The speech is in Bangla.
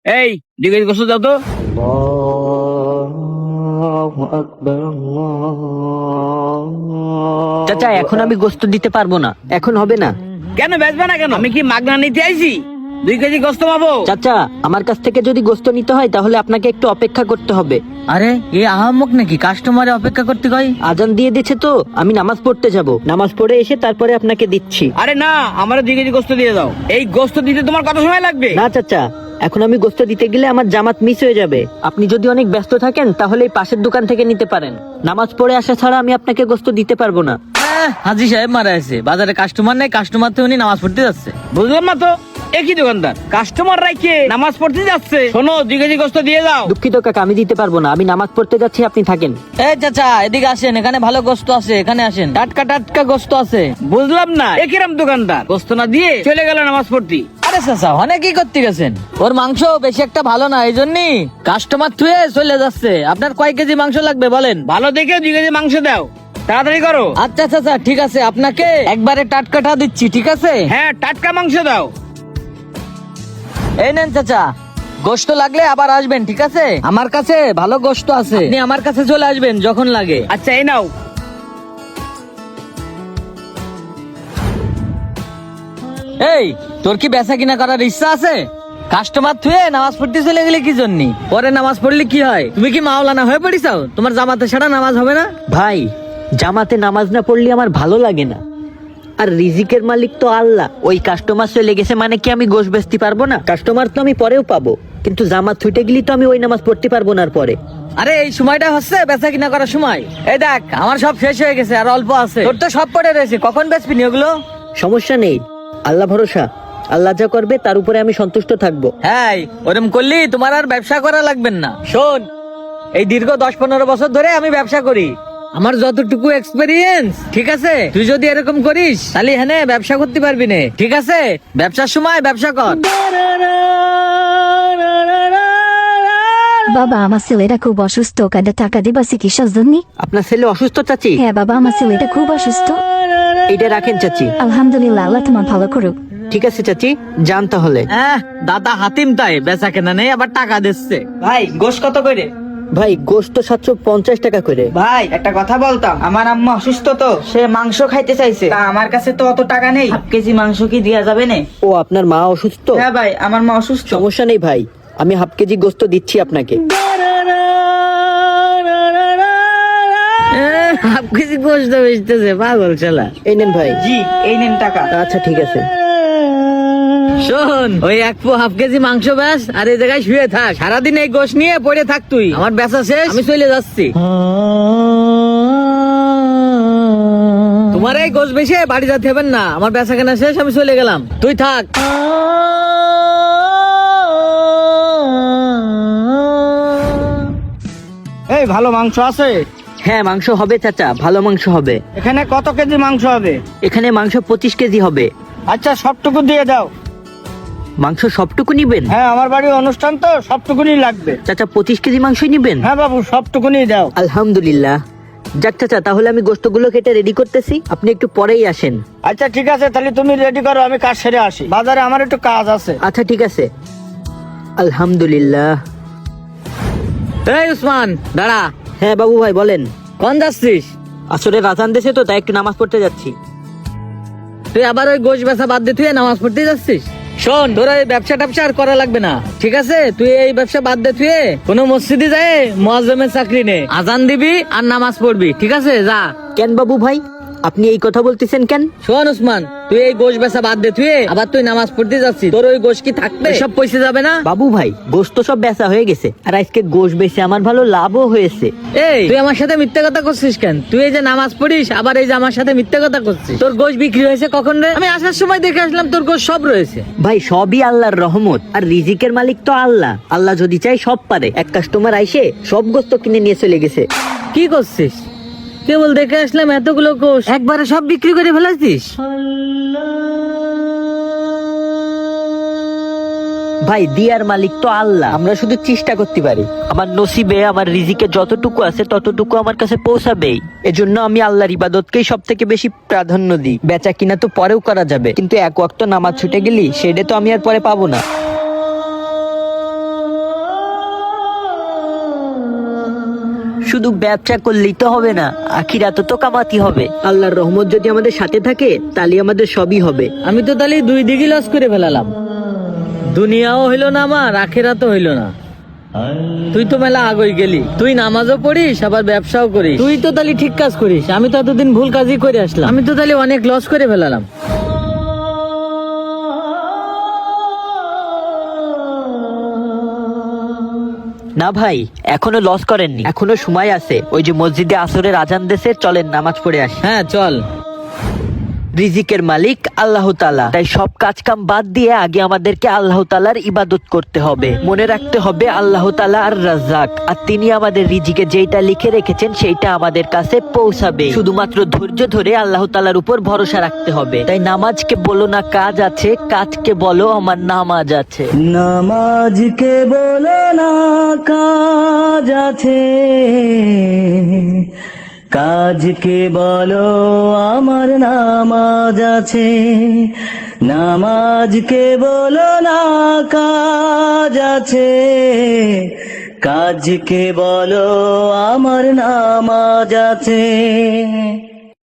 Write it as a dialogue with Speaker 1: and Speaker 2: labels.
Speaker 1: এই 2 কেজি গোস্ত দাও তো।
Speaker 2: চাচা এখন আমি গোস্ত দিতে পারবো না, এখন হবে না।
Speaker 1: কেন বেচবে না কেন? আমি কি মাগনা নিতে আইছি? 2 কেজি গোস্ত পাবো?
Speaker 2: চাচা আমার কাছ থেকে যদি গোস্ত নিতে হয় তাহলে আপনাকে একটু অপেক্ষা করতে হবে।
Speaker 3: আরে এ আহাম্মক নাকি কাস্টমারে অপেক্ষা করতে কয়?
Speaker 2: আজান দিয়ে দিয়েছে তো, আমি নামাজ পড়তে যাব, নামাজ পড়ে এসে তারপরে আপনাকে দিচ্ছি।
Speaker 1: আরে না, আমার 2 কেজি গোস্ত দিয়ে দাও। এই গোস্ত দিতে তোমার কত সময় লাগবে?
Speaker 2: না চাচা, এখন আমি গোস্ত দিতে গেলে আমার জামাত মিস হয়ে যাবে। আপনি যদি অনেক ব্যস্ত থাকেন তাহলে এই পাশের দোকান থেকে নিতে পারেন। নামাজ পড়ে আসা ছাড়া আমি আপনাকে গোস্ত দিতে পারবো না।
Speaker 3: হাজি সাহেব মারা আছে, বাজারে কাস্টমার নাই, কাস্টমার তো উনি নামাজ পড়তে যাচ্ছে।
Speaker 1: বুঝলাম না তো, একই দোকানদার কাস্টমার রাইকে নামাজ পড়তে যাচ্ছে। শোনো, 2 কেজি গোস্ত দিয়ে দাও।
Speaker 2: দুঃখিত কাকা, আমি দিতে পারবো না, আমি নামাজ পড়তে যাচ্ছি, আপনি থাকেন।
Speaker 3: এই চাচা এদিকে আসেন, এখানে ভালো গোস্ত আছে, এখানে আসেন, টাটকা টাটকা গোস্ত আছে।
Speaker 1: বুঝলাম না, একিরাম দোকানদার গোস্ত না দিয়ে চলে গেল নামাজ পড়তে।
Speaker 3: আরে চাচা অনেক করতে গেছেন, ওর মাংস বেশি একটা ভালো না, এই জন্যই কাস্টমার থুয়ে চলে যাচ্ছে। আপনার কয় কেজি মাংস লাগবে বলেন?
Speaker 1: ভালো দেখে 2 কেজি মাংস দাও, তাড়াতাড়ি করো।
Speaker 3: আচ্ছা চাচা ঠিক আছে, আপনাকে একবারে টাটকাটা দিচ্ছি, ঠিক আছে?
Speaker 1: হ্যাঁ, টাটকা মাংস দাও।
Speaker 3: এই নেন চাচা, গোশত লাগলে আবার আসবেন, ঠিক আছে? আমার কাছে ভালো গোশত আছে, আপনি আমার কাছে চলে আসবেন যখন লাগে।
Speaker 1: আচ্ছা, এই নাও।
Speaker 3: এই তোর কি বেচা কিনা করার ইচ্ছা আছে? কাস্টমার থুয়ে নামাজ পড়তে চলে গেলে কি জন্য? পরে নামাজ পড়লে কি হয়? তুমি কি মাওলানা হয়ে পড়িছাও? তোমার জামাতে ছাড়া নামাজ হবে না?
Speaker 2: ভাই, জামাতে নামাজ না পড়লে আমার ভালো লাগে না। আর রিজিকের মালিক তো আল্লাহ। ওই কাস্টমার চলে গেছে মানে কি আমি গোশ বেচতে পারবো না? কাস্টমার তো আমি পরেও পাবো, কিন্তু জামাত ছুটে গেলি তো আমি ওই নামাজ পড়তে পারবো না আর পরে।
Speaker 3: আরে এই সময়টা হচ্ছে বেচা কিনা করার সময়। এই দেখ আমার সব শেষ হয়ে গেছে, আর অল্প আছে, তোর তো সব পড়ে রয়েছে, কখন বেচবি নি ওগুলো?
Speaker 2: সমস্যা নেই, আল্লাহ ভরসা, আল্লাহ যা করবে তার উপরে আমি সন্তুষ্ট থাকবো।
Speaker 3: হ্যাঁ, ওরম করলি তোমার আর ব্যবসা করা লাগবেন না। শোন, এই দীর্ঘ 10-15 বছর ধরে আমি ব্যবসা করি, আমার যতটুকু এক্সপেরিয়েন্স, ঠিক আছে? তুই যদি এরকম করিস তাহলে হ্যাঁ ব্যবসা করতে পারবি না, ঠিক আছে? ব্যবসার সময় ব্যবসা কর।
Speaker 4: বাবা, আমার ছেলেটা খুব অসুস্থ, কাঁদে টাকা দিবা চিকিৎসার জন্য?
Speaker 2: আপনার ছেলে অসুস্থ চাচি?
Speaker 4: হ্যাঁ বাবা, আমার ছেলেটা খুব অসুস্থ।
Speaker 2: এটা রাখেন চাচি।
Speaker 4: আলহামদুলিল্লাহ, আল্লাহ তোমার ভালো করুক।
Speaker 2: ঠিক আছে চাচি, যান তাহলে।
Speaker 3: দাদা হাতিম তাই বেচা কেনা নেই, আবার টাকা দিচ্ছে।
Speaker 5: ভাই গোশ কত করে?
Speaker 2: ভাই গোশত 750 টাকা করে।
Speaker 5: ভাই একটা কথা বলতাম, আমার আম্মা অসুস্থ তো, সে মাংস খাইতে চাইছে, তা আমার কাছে তো অত টাকা নেই, 1/2 কেজি মাংস কি দেয়া যাবে না?
Speaker 2: ও আপনার মা অসুস্থ?
Speaker 5: হ্যাঁ ভাই, আমার মা অসুস্থ।
Speaker 2: সমস্যা নেই ভাই, আমি 1/2 কেজি গোশত দিচ্ছি আপনাকে।
Speaker 3: 1/2 কেজি গোশত বেচতেছে, পাগল ছেলা।
Speaker 2: এই নেন ভাই।
Speaker 5: জি, এই নেন টাকা।
Speaker 2: আচ্ছা ঠিক আছে।
Speaker 3: শোন, ওই 1/2 কেজি মাংস ব্যাস, আর এই জায়গায় শুয়ে থাক, সারাদিন এই গোশ নিয়ে পড়ে থাক তুই। আমার বেচা শেষ, আমি চলে যাচ্ছি। তোমার এই গোশ বেশি বাড়ি যেতে হবে না, আমার বেচা কেনা শেষ, আমি চলে গেলাম, তুই থাক।
Speaker 1: এই ভালো মাংস আছে?
Speaker 2: হ্যাঁ মাংস হবে চাচা, ভালো মাংস হবে।
Speaker 1: এখানে কত কেজি মাংস হবে?
Speaker 2: এখানে মাংস 25 কেজি হবে।
Speaker 1: আচ্ছা, সবটুকু দিয়ে দাও।
Speaker 2: মাংস সবটুকু নিবেন?
Speaker 1: হ্যাঁ, আমার বাড়ির অনুষ্ঠান তো, সবটুকুনি লাগবে।
Speaker 2: চাচা 25 কেজি মাংসই নিবেন?
Speaker 1: হ্যাঁ বাবু, সবটুকুনি দাও।
Speaker 2: আলহামদুলিল্লাহ। যাক চাচা, তাহলে আমি গোশতগুলো কেটে রেডি করতেছি, আপনি একটু পরেই আসেন।
Speaker 1: আচ্ছা ঠিক আছে, তাহলে তুমি রেডি করো, আমি কাজ সেরে আসি, বাজারে আমার একটু কাজ আছে।
Speaker 2: আচ্ছা ঠিক আছে। আলহামদুলিল্লাহ।
Speaker 3: এই উসমান দাঁড়া।
Speaker 2: হ্যাঁ বাবু ভাই বলেন।
Speaker 3: কোন যাচ্ছিস?
Speaker 2: আসলে রাজান দেশে তো, তাই একটু নামাজ পড়তে যাচ্ছি।
Speaker 3: তুই আবার ওই গোশ বেচা বাদ দিয়ে তুই নামাজ পড়তে যাচ্ছিস? শোন, তোর এই ব্যবসা ট্যাবসা আর করা লাগবে না, ঠিক আছে? তুই এই ব্যবসা বাদ দে, তুই কোনো মসজিদে যায় মুয়াজ্জিমের চাকরি নে, আজান দিবি আর নামাজ পড়বি, ঠিক আছে? যা।
Speaker 2: কেন বাবু ভাই, আপনি এই কথা বলতেছেন কেন?
Speaker 3: শোন উসমান, তুই এই গোশ বেচা বাদ দে, তুই আবার তুই নামাজ পড়তে যাচ্ছিস, তোর ওই গোশ কি থাকবে? সব পয়সা যাবে না?
Speaker 2: বাবু ভাই, গোশ তো সব বেচা হয়ে গেছে, আর আজকে গোশ বেচে আমার ভালো লাভও হয়েছে।
Speaker 3: এই তুই আমার সাথে মিথ্যা কথা করছিস কেন? তুই এই যে নামাজ পড়িস, আবার এই যে আমার সাথে মিথ্যা কথা করছিস। তোর গোশ বিক্রি হয়েছে কখন রে? আমি আসার সময় দেখে আসলাম তোর গোশ সব রয়েছে।
Speaker 2: ভাই সবই আল্লাহর রহমত, আর রিজিকের মালিক তো আল্লাহ। আল্লাহ যদি চাই সব পারে। এক কাস্টমার আইসে সব গোস্ত কিনে নিয়ে চলে গেছে।
Speaker 3: কি করছিস? কেবল দেখে আসলাম এতগুলো গোশ একবারে সব বিক্রি করে ফেলাছিস?
Speaker 2: ভাই দিয়ার মালিক তো আল্লাহ, আমরা শুধু চেষ্টা করতে পারি। আমার নসিবে, আমার রিজিকে যতটুকু আছে ততটুকু আমার কাছে পৌঁছাবেই। এজন্য আমি আল্লাহর ইবাদতকেই সব থেকে বেশি প্রাধান্য দিই। বেচা কিনা তো পরেও করা যাবে, কিন্তু এক ওয়াক্ত নামাজ ছুটে গেলি সেটা তো আমি আর পরে পাবো না। শুধু ব্যবসা করলেই তো হবে না, আখিরাতে তো কামাতি হবে। আল্লাহর রহমত যদি আমাদের সাথে থাকে তাহলে আমাদের সবই হবে।
Speaker 3: আমি তো তাহলে দুই দিকে লস করে ফেলালাম, দুনিয়াও হইলো না আমার, আখেরাতও হইলো না। তুই তো মেলা আগই গেলি, তুই নামাজও পড়িস আবার ব্যবসাও করিস, তুই তো তাহলে ঠিক কাজ করিস। আমি তো এতদিন ভুল কাজই করে আসলাম, আমি তো তাহলে অনেক লস করে ফেলালাম।
Speaker 2: না ভাই, এখনো লস করেননি, এখনো সময় আছে। ওই যে মসজিদে আসরের আজান দেশে, চলেন নামাজ পড়ে আসি।
Speaker 3: হ্যাঁ চল।
Speaker 2: রিজিকের মালিক আল্লাহ তাআলা, তাই সব কাজ কাম বাদ দিয়ে আগে আমাদেরকে আল্লাহ তাআলার ইবাদত করতে হবে। মনে রাখতে হবে আল্লাহ তাআলা আর রাজ্জাক, আর তিনি আমাদের রিজিকে যেটা লিখে রেখেছেন সেইটা আমাদের কাছে পৌঁছাবে। শুধুমাত্র ধৈর্য ধরে আল্লাহ তাআলার উপর ভরসা রাখতে হবে। তাই নামাজকে বলো না কাজ আছে, কাজকে বলো আমার নামাজ আছে।
Speaker 6: নামাজকে বলো না কাজ আছে, কাজকে বলো আমার নামাজ আছে। নামাজকে বলো না কাজ আছে, কাজকে বলো আমার নামাজ আছে।